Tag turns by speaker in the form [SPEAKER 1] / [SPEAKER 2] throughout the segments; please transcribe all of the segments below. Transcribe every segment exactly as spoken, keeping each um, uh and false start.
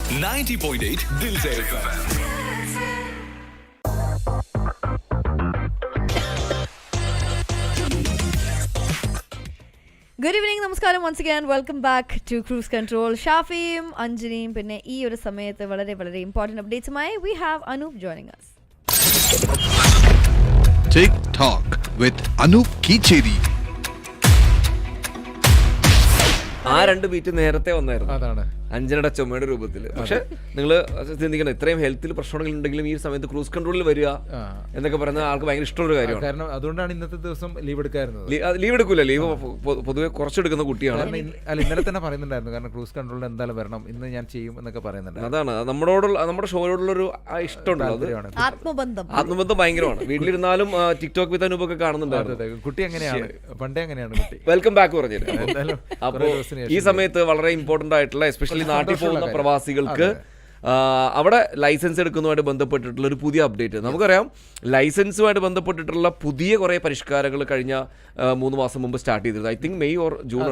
[SPEAKER 1] ninety point eight Dil Se F M.
[SPEAKER 2] Good evening, നമസ്കാരം. once again welcome back to Cruise Control. ഷാഫിയും അഞ്ജനിയും പിന്നെ ഈ ഒരു സമയത്ത് വളരെ വളരെ ഇമ്പോർട്ടന്റ് അപ്ഡേറ്റ്സുമായി we have Anup joining us.
[SPEAKER 3] Tick Talk with Anup Kicheri.
[SPEAKER 4] ആ രണ്ട് ബീറ്റ് നേരത്തെ വന്നായിരുന്നു.
[SPEAKER 5] അതാണ്
[SPEAKER 4] അഞ്ജനയുടെ ചുമയുടെ രൂപത്തിൽ. പക്ഷെ നിങ്ങൾ ചിന്തിക്കണം, ഇത്രയും ഹെൽത്തിൽ പ്രശ്നങ്ങൾ ഉണ്ടെങ്കിലും ഈ സമയത്ത് ക്രൂസ് കൺട്രോളിൽ വരിക എന്നൊക്കെ പറയുന്നത് ആൾക്ക് ഭയങ്കര ഇഷ്ടമുള്ള കാര്യമാണ്.
[SPEAKER 5] കാരണം അതുകൊണ്ടാണ് ഇന്നത്തെ ദിവസം ലീവ് എടുക്കാറുള്ളത്.
[SPEAKER 4] ലീവ് എടുക്കൂല, ലീവ് പൊതുവെ കുറച്ചെടുക്കുന്ന കുട്ടിയാണ്.
[SPEAKER 5] അല്ല, ഇന്നലെ തന്നെ പറയുന്നുണ്ടായിരുന്നു, കാരണം ക്രൂസ് കൺട്രോളിൽ എന്തായാലും വരണം, ഇന്ന് ഞാൻ ചെയ്യും എന്നൊക്കെ പറയുന്നുണ്ട്.
[SPEAKER 4] അതാണ് നമ്മളോടുള്ള നമ്മുടെ ഷോയോടുള്ള ഒരു ഇഷ്ടമുണ്ടല്ലോ,
[SPEAKER 2] ആത്മബന്ധം
[SPEAKER 4] ആത്മബന്ധം ഭയങ്കരമാണ്. വീട്ടിലിരുന്നാലും ടിക്ടോക്ക് വിത്ത് അനൂപ് ഒക്കെ കാണുന്നുണ്ടായിരുന്നു.
[SPEAKER 5] കുട്ടി എങ്ങനെയാണ്, പണ്ടേ എങ്ങനെയാണ് കുട്ടി.
[SPEAKER 4] വെൽക്കം ബാക്ക് പറഞ്ഞില്ല. അപ്പോൾ ഈ സമയത്ത് വളരെ ഇമ്പോർട്ടന്റ് ആയിട്ടുള്ള എസ്പെഷ്യലി നാട്ടിൽ പോകുന്ന പ്രവാസികൾക്ക് അവിടെ ലൈസൻസ് എടുക്കുന്നതുമായിട്ട് ബന്ധപ്പെട്ടിട്ടുള്ള ഒരു പുതിയ അപ്ഡേറ്റ്. നമുക്കറിയാം, ലൈസൻസുമായിട്ട് ബന്ധപ്പെട്ടിട്ടുള്ള പുതിയ കുറേ പരിഷ്കാരങ്ങൾ കഴിഞ്ഞ മൂന്ന് മാസം മുമ്പ് സ്റ്റാർട്ട് ചെയ്തിരുന്നത്. I think May or June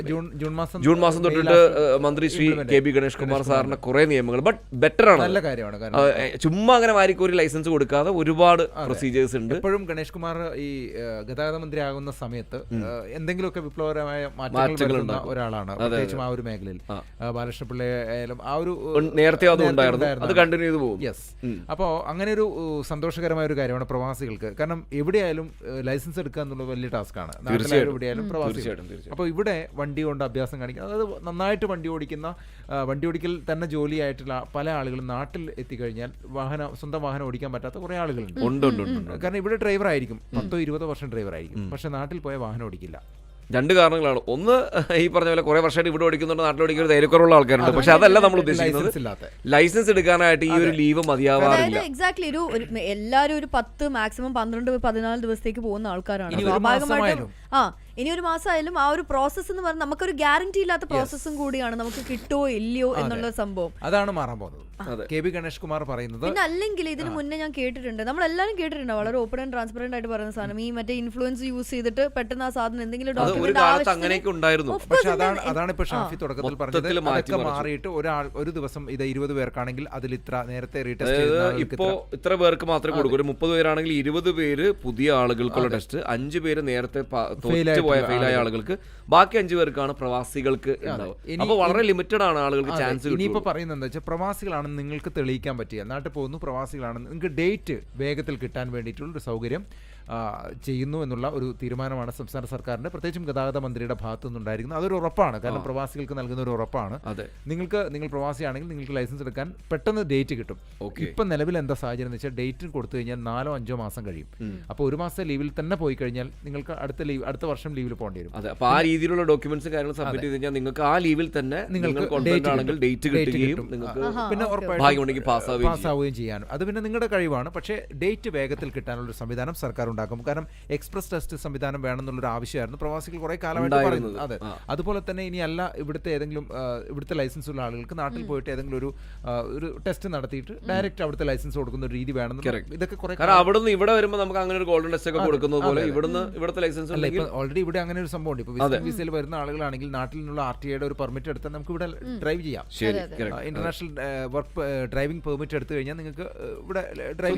[SPEAKER 4] June മാസം തൊട്ടിട്ട് മന്ത്രി ശ്രീ കെ ബി ഗണേഷ് കുമാർ സാറിന്റെ കുറെ നിയമങ്ങൾ ബട്ട് ബെറ്റർ ആണ്.
[SPEAKER 5] നല്ല കാര്യമാണ്.
[SPEAKER 4] ചുമ്മാ അങ്ങനെ വാരിക്കോരി ലൈസൻസ് കൊടുക്കാതെ ഒരുപാട് പ്രൊസീജിയേഴ്സ് ഉണ്ട്.
[SPEAKER 5] എപ്പോഴും ഗണേഷ് കുമാർ ഈ ഗതാഗത മന്ത്രി ആകുന്ന സമയത്ത് എന്തെങ്കിലുമൊക്കെ വിപ്ലവകരമായ മാറ്റങ്ങൾ ഉണ്ടാകുന്ന ഒരാളാണ്, പ്രത്യേകിച്ചും ആ ഒരു മേഖലയിൽ. ബാലകൃഷ്ണപിള്ള ആയാലും ആ ഒരു നേരത്തെ
[SPEAKER 4] അത് കണ്ടിന്യൂ ചെയ്തു പോകും.
[SPEAKER 5] യെസ്. അപ്പോൾ അങ്ങനെ ഒരു സന്തോഷകരമായ ഒരു കാര്യമാണ് പ്രവാസികൾക്ക്. കാരണം എവിടെയായാലും ലൈസൻസ് എടുക്കുക എന്നുള്ളത് വലിയ ടാസ്ക്കാണ്. എവിടെയായാലും പ്രവാസികൾ. അപ്പോൾ ഇവിടെ വണ്ടി കൊണ്ട് അഭ്യാസം കാണിക്കുക, അതായത് നന്നായിട്ട് വണ്ടി ഓടിക്കുന്ന, വണ്ടി ഓടിക്കൽ തന്നെ ജോലിയായിട്ടുള്ള പല ആളുകളും നാട്ടിൽ എത്തിക്കഴിഞ്ഞാൽ വാഹനം സ്വന്തം വാഹനം ഓടിക്കാൻ പറ്റാത്ത കുറേ ആളുകളുണ്ട്. കാരണം ഇവിടെ ഡ്രൈവർ ആയിരിക്കും, പത്തോ ഇരുപതോ വർഷം ഡ്രൈവർ ആയിരിക്കും, പക്ഷെ നാട്ടിൽ പോയ വാഹനം ഓടിക്കില്ല.
[SPEAKER 4] രണ്ട് കാരണങ്ങളാണ്. ഒന്ന്, ഈ പറഞ്ഞ പോലെ കുറെ വർഷമായിട്ട് ഇവിടെ ഓടിക്കുന്നുണ്ട്, നാട്ടിൽ ഓടിക്കുന്ന ധൈര്യക്കുറവുള്ള ആൾക്കാരുണ്ട്. പക്ഷെ അതല്ല നമ്മൾ ഉദ്ദേശിക്കുന്നത്. ലൈസൻസ് എടുക്കാനായിട്ട് ഈ ഒരു ലീവ് മതിയാവാറില്ല.
[SPEAKER 2] എക്സാക്ട്ലി ഒരു എല്ലാവരും ഒരു പത്ത് മാക്സിമം പന്ത്രണ്ട് പതിനാല് ദിവസത്തേക്ക് പോകുന്ന ആൾക്കാരാണ്. സ്വാഭാവികമായിട്ടും ആ ഇനി ഒരു മാസമായാലും ആ ഒരു പ്രോസസ് എന്ന് പറഞ്ഞാൽ നമുക്കൊരു ഗ്യാരണ്ടി ഇല്ലാത്ത പ്രോസസ്സും കൂടിയാണ്, നമുക്ക് കിട്ടുമോ ഇല്ലയോ എന്നുള്ള സംഭവം.
[SPEAKER 5] അതാണ് മാറാൻ പോകുന്നത്. കെ ബി ഗണേഷ് കുമാർ പറയുന്നത്.
[SPEAKER 2] പിന്നെ അല്ലെങ്കിൽ ഇതിന് മുന്നേ ഞാൻ കേട്ടിട്ടുണ്ട്, നമ്മളെല്ലാവരും കേട്ടിട്ടുണ്ട്, വളരെ ഓപ്പൺ ആൻഡ് ട്രാൻസ്പെറന്റ് ആയിട്ട് പറയുന്ന സാധനം, ഈ മറ്റേ ഇൻഫ്ലുവൻസ് യൂസ് ചെയ്തിട്ട് പെട്ടെന്ന് ആ സാധനം എന്തെങ്കിലും
[SPEAKER 4] ഉണ്ടായിരുന്നു.
[SPEAKER 5] പക്ഷെ അതാണ് അതാണ് ഇപ്പൊ ഷാഫി തുടക്കത്തിൽ പറഞ്ഞത്. അതൊക്കെ മാറിയിട്ട് ഒരാൾ ഒരു ദിവസം ഇത് ഇരുപത് പേർക്കാണെങ്കിൽ അതിൽ ഇത്ര നേരത്തെ റീടെസ്റ്റ്
[SPEAKER 4] ഇപ്പോ ഇത്ര പേർക്ക് മാത്രമേ കൊടുക്കൂ. ഒരു മുപ്പത് പേരാണെങ്കിൽ ഇരുപത് പേര് പുതിയ ആളുകൾക്കുള്ള ടെസ്റ്റ്, അഞ്ച് പേര് നേരത്തെ പോയ ഫെയിലായ ആളുകൾക്ക്, ബാക്കി അഞ്ചു പേർക്കാണ് പ്രവാസികൾക്ക്. അപ്പോൾ വളരെ ലിമിറ്റഡ് ആണ് ആളുകൾക്ക് ചാൻസ്.
[SPEAKER 5] ഇനിയിപ്പോൾ പറയുന്നത് എന്താ വെച്ചാൽ, പ്രവാസികളാണെന്ന് നിങ്ങൾക്ക് തെളിയിക്കാൻ പറ്റിയ, നാട്ടിൽ പോകുന്നു പ്രവാസികളാണെന്ന് നിങ്ങൾക്ക് ഡേറ്റ് വേഗത്തിൽ കിട്ടാൻ വേണ്ടിയിട്ടുള്ള ഒരു സൗകര്യം ചെയ്യുന്നു എന്നുള്ള ഒരു തീരുമാനമാണ് സംസ്ഥാന സർക്കാരിന്റെ, പ്രത്യേകിച്ചും ഗതാഗത മന്ത്രിയുടെ ഭാഗത്തു നിന്നുണ്ടായിരിക്കുന്നത്. അതൊരു ഉറപ്പാണ്, കാരണം പ്രവാസികൾക്ക് നൽകുന്ന ഒരു ഉറപ്പാണ്. നിങ്ങൾക്ക് നിങ്ങൾ പ്രവാസിയാണെങ്കിൽ നിങ്ങൾക്ക് ലൈസൻസ് എടുക്കാൻ പെട്ടെന്ന് ഡേറ്റ് കിട്ടും. ഇപ്പം നിലവിൽ എന്താ സാഹചര്യം എന്ന് വെച്ചാൽ, ഡേറ്റ് കൊടുത്തു കഴിഞ്ഞാൽ നാലോ അഞ്ചോ മാസം കഴിയും. അപ്പോൾ ഒരു മാസം ലീവിൽ തന്നെ പോയി കഴിഞ്ഞാൽ നിങ്ങൾക്ക് അടുത്ത ലീവ് അടുത്ത വർഷം ലീവിൽ പോകേണ്ടി വരും.
[SPEAKER 4] അപ്പോൾ ആ രീതിയിലുള്ള ഡോക്യുമെന്റ്സ് കാര്യങ്ങൾ സബ്മിറ്റ് ചെയ്ത് കഴിഞ്ഞാൽ നിങ്ങൾക്ക് ആ ലീവിൽ തന്നെ നിങ്ങൾക്ക് ഡേറ്റ് കിട്ടുകയും
[SPEAKER 5] പിന്നെ
[SPEAKER 4] ഉറപ്പായിട്ടും
[SPEAKER 5] പാസ്സാവുകയും ചെയ്യാനും അത് പിന്നെ നിങ്ങളുടെ കഴിവാണ്. പക്ഷേ ഡേറ്റ് വേഗത്തിൽ കിട്ടാനുള്ള ഒരു സംവിധാനം സർക്കാർ ഉണ്ടാക്കും. കാരണം എക്സ്പ്രസ് ടെസ്റ്റ് സംവിധാനം വേണമെന്നുള്ളൊരു ആവശ്യമായിരുന്നു പ്രവാസികൾ കുറെ കാലമായിട്ട് പറയുന്നത്. അതെ, അതുപോലെ തന്നെ ഇനി അല്ല, ഇവിടുത്തെ ഏതെങ്കിലും ഇവിടുത്തെ ലൈസൻസ് ഉള്ള ആളുകൾക്ക് നാട്ടിൽ പോയിട്ട് ഏതെങ്കിലും ഒരു ഒരു ടെസ്റ്റ് നടത്തിയിട്ട് ഡയറക്റ്റ് അവിടുത്തെ ലൈസൻസ് കൊടുക്കുന്ന ഒരു രീതി വേണം. ഇതൊക്കെ കുറെ
[SPEAKER 4] അവിടുന്ന് ഇവിടെ വരുമ്പോൾ നമുക്ക് അങ്ങനെ ഒരു ഗോൾഡൻ ടെസ്റ്റ് ഒക്കെ കൊടുക്കുന്നത് പോലെ ഇവിടുന്ന് ഇവിടുത്തെ ലൈസൻസ്
[SPEAKER 5] അല്ല, ഇപ്പൊ ഓൾറെഡി ഇവിടെ അങ്ങനെ ഒരു സംഭവം ഉണ്ട്. ഇപ്പൊ വിസയിൽ വരുന്ന ആളുകളാണെങ്കിൽ നാട്ടിൽ നിന്നുള്ള ആർ ടി ഐയുടെ ഒരു പെർമിറ്റ് എടുത്താൽ നമുക്ക് ഇവിടെ ഡ്രൈവ് ചെയ്യാം. ഇന്റർനാഷണൽ വർക്ക് ഡ്രൈവിംഗ് പെർമിറ്റ് എടുത്തു കഴിഞ്ഞാൽ നിങ്ങൾക്ക് ഇവിടെ ഡ്രൈവ്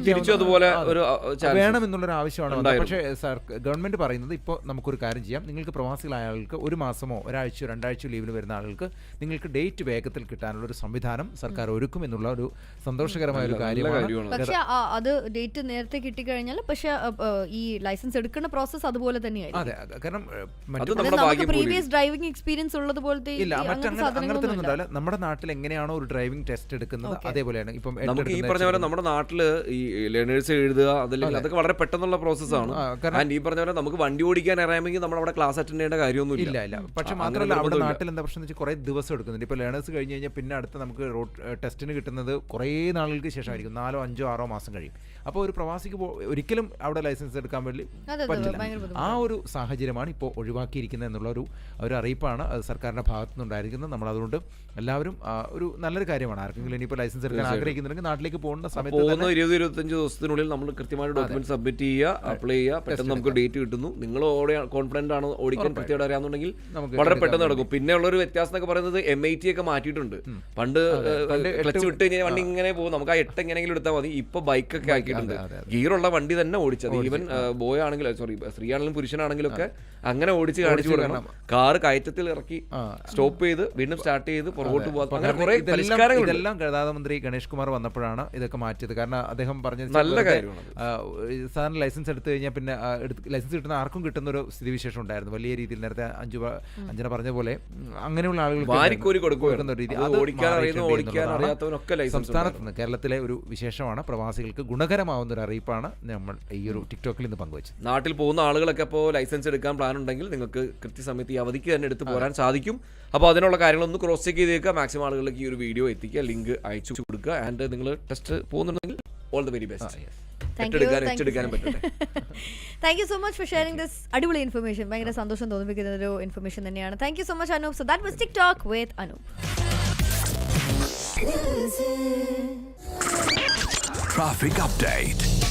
[SPEAKER 5] ചെയ്യാം വേണമെന്നുള്ളൊരു ആവശ്യമാണ്. പക്ഷേ സാർ, ഗവൺമെന്റ് പറയുന്നത് ഇപ്പോൾ നമുക്കൊരു കാര്യം ചെയ്യാം, നിങ്ങൾക്ക് പ്രവാസികളായ ആളുകൾക്ക് ഒരു മാസമോ ഒരാഴ്ചയോ രണ്ടാഴ്ചയോ ലീവിൽ വരുന്ന ആളുകൾക്ക് നിങ്ങൾക്ക് ഡേറ്റ് വേഗത്തിൽ കിട്ടാനുള്ള ഒരു സംവിധാനം സർക്കാർ ഒരുക്കും എന്നുള്ള ഒരു സന്തോഷകരമായ ഒരു കാര്യമാണ്.
[SPEAKER 2] പക്ഷേ അത് ഡേറ്റ് നേരത്തെ കിട്ടിക്കഴിഞ്ഞാൽ പക്ഷേ ഈ ലൈസൻസ് എടുക്കുന്ന പ്രോസസ് അതുപോലെ തന്നെയായിരിക്കും.
[SPEAKER 5] അതെ, കാരണം
[SPEAKER 2] പ്രീവിയസ് ഡ്രൈവിംഗ് എക്സ്പീരിയൻസ് ഉള്ളത് പോലത്തെ
[SPEAKER 5] ഇല്ല, അങ്ങനത്തെ ഒന്നും ഉണ്ടാവില്ല. നമ്മുടെ നാട്ടിൽ എങ്ങനെയാണോ ഒരു ഡ്രൈവിംഗ് ടെസ്റ്റ് എടുക്കുന്നത് അതേപോലെയാണ് ഇപ്പം
[SPEAKER 4] നമുക്ക് ഈ പറഞ്ഞ പോലെ നമ്മുടെ നാട്ടില് ഈ ലേണേഴ്സ് എഴുതുക, അതല്ലെങ്കിൽ അതൊക്കെ വളരെ പെട്ടെന്നുള്ള പ്രോസസ്സാണ്. ഈ പറഞ്ഞ പോലെ നമുക്ക് വണ്ടി ഓടിക്കാൻ അറിയാമെങ്കിൽ നമ്മൾ അവിടെ ക്ലാസ് അറ്റൻഡ് ചെയ്യേണ്ട കാര്യമൊന്നും
[SPEAKER 5] ഇല്ല ഇല്ല പക്ഷെ മാത്രമല്ല, അവിടെ നാട്ടിൽ എന്താ പ്രശ്നം വെച്ചാൽ കുറേ ദിവസം എടുക്കുന്നുണ്ട്. ഇപ്പോൾ ലേണേഴ്സ് കഴിഞ്ഞ് കഴിഞ്ഞാൽ പിന്നെ അടുത്ത് നമുക്ക് റോഡ് ടെസ്റ്റിന് കിട്ടുന്നത് കുറേ നാളുകൾക്ക് ശേഷമായിരിക്കും, നാലോ അഞ്ചോ ആറോ മാസം കഴിയും. അപ്പോൾ ഒരു പ്രവാസിക്ക് ഒരിക്കലും അവിടെ ലൈസൻസ് എടുക്കാൻ വേണ്ടി പറ്റില്ല. ആ ഒരു സാഹചര്യമാണ് ഇപ്പോൾ ഒഴിവാക്കിയിരിക്കുന്നത് എന്നുള്ള ഒരു ഒരു അറിയിപ്പാണ് അത് സർക്കാരിൻ്റെ ഭാഗത്തു നിന്നുണ്ടായിരിക്കുന്നത്. നമ്മളതുകൊണ്ട് എല്ലാവരും ഒരു നല്ലൊരു കാര്യമാണ്. ആർക്കെങ്കിലും ഇനിയിപ്പോൾ ലൈസൻസ് എടുക്കാൻ ആഗ്രഹിക്കുന്നുണ്ടെങ്കിൽ നാട്ടിലേക്ക് പോകുന്ന സമയത്ത്
[SPEAKER 4] ഇരുപത് ഇരുപത്തഞ്ച് ദിവസത്തിനുള്ളിൽ നമ്മൾ കൃത്യമായിട്ട് ഡോക്യുമെന്റ് സബ്മിറ്റ് ചെയ്യുക, അപ്ലൈ ചെയ്യുക, പെട്ടെന്ന് നമുക്ക് ഡേറ്റ് കിട്ടുന്നു. നിങ്ങൾ ഓടിയ കോൺഫിഡന്റ് ആണ്, ഓടിക്കാൻ കൃത്യമായിട്ട് അറിയാമെന്നുണ്ടെങ്കിൽ
[SPEAKER 5] നമുക്ക്
[SPEAKER 4] വളരെ പെട്ടെന്ന് നടക്കും. പിന്നെ ഉള്ളൊരു വ്യത്യാസം എന്നൊക്കെ പറയുന്നത് എം ഐ ടി ഒക്കെ മാറ്റിയിട്ടുണ്ട്. പണ്ട് ക്ലച്ച് വിട്ട് കഴിഞ്ഞാൽ വണ്ടി ഇങ്ങനെ പോകും, നമുക്ക് ആ എട്ട് എങ്ങനെയെങ്കിലും എടുത്താൽ മതി. ഇപ്പൊ ബൈക്കൊക്കെ ആക്കിയിട്ടുണ്ട്, ഗിയറുള്ള വണ്ടി തന്നെ ഓടിച്ചത്. ഈവൻ ബോയ് ആണെങ്കിലും സോറി സ്ത്രീ ആണെങ്കിലും പുരുഷനാണെങ്കിലും ഒക്കെ അങ്ങനെ ഓടിച്ച് കാണിച്ചു കൊടുക്കണം. കാറ് കയറ്റത്തിൽ ഇറക്കി സ്റ്റോപ്പ് ചെയ്ത് വീണ്ടും സ്റ്റാർട്ട് ചെയ്ത് പുറകോട്ട് പോകാം. അങ്ങനെ കുറെ പരിഷ്കാരങ്ങൾ.
[SPEAKER 5] ഇതെല്ലാം ഗതാഗത മന്ത്രി ഗണേഷ് കുമാർ വന്നപ്പോഴാണ് ഇതൊക്കെ മാറ്റിയത്. കാരണം അദ്ദേഹം പറഞ്ഞത്
[SPEAKER 4] നല്ല കാര്യമാണ്.
[SPEAKER 5] സാധാരണ ലൈസൻസ് എടുത്തു കഴിഞ്ഞാൽ പിന്നെ ലൈസൻസ് കിട്ടുന്ന ആർക്കും കിട്ടുന്ന ഒരു സ്ഥിതിവിശേഷം ഉണ്ടായിരുന്നു വലിയ രീതിയിൽ. നേരത്തെ അഞ്ചു അഞ്ചന പറഞ്ഞ പോലെ അങ്ങനെയുള്ള ആളുകൾ കൊടുക്കുന്ന രീതി സംസ്ഥാനത്ത് നിന്ന് കേരളത്തിലെ ഒരു വിശേഷമാണ്. പ്രവാസികൾക്ക് ഗുണകരമാവുന്ന ഒരു അറിയിപ്പാണ് നമ്മൾ ഈ ഒരു ടിക്ടോക്കിൽ നിന്ന് പങ്കുവച്ചത്.
[SPEAKER 4] നാട്ടിൽ പോകുന്ന ആളുകളൊക്കെ ഇപ്പോൾ ലൈസൻസ് എടുക്കാൻ പ്ലാൻ ഉണ്ടെങ്കിൽ നിങ്ങൾക്ക് കൃത്യസമയത്ത് ഈ അവധിക്ക് തന്നെ എടുത്ത് പോരാൻ സാധിക്കും. അപ്പോൾ അതിനുള്ള കാര്യങ്ങളൊന്ന് ക്രോസ് ചെക്ക് ചെയ്തേക്കുക. മാക്സിമം ആളുകളിലേക്ക് ഈ ഒരു വീഡിയോ എത്തിക്കുക, ലിങ്ക് അയച്ചു കൊടുക്കുക. ആൻഡ് നിങ്ങൾ ടെസ്റ്റ് പോകുന്നുണ്ടെങ്കിൽ all the very best.
[SPEAKER 2] Thank you so much for sharing this അടിപൊളി ഇൻഫർമേഷൻ. ഭയങ്കര സന്തോഷം തോന്നിപ്പിക്കുന്ന ഒരു ഇൻഫർമേഷൻ തന്നെയാണ്. Thank you so much Anup. So that was TikTok with Anup.
[SPEAKER 1] Traffic update.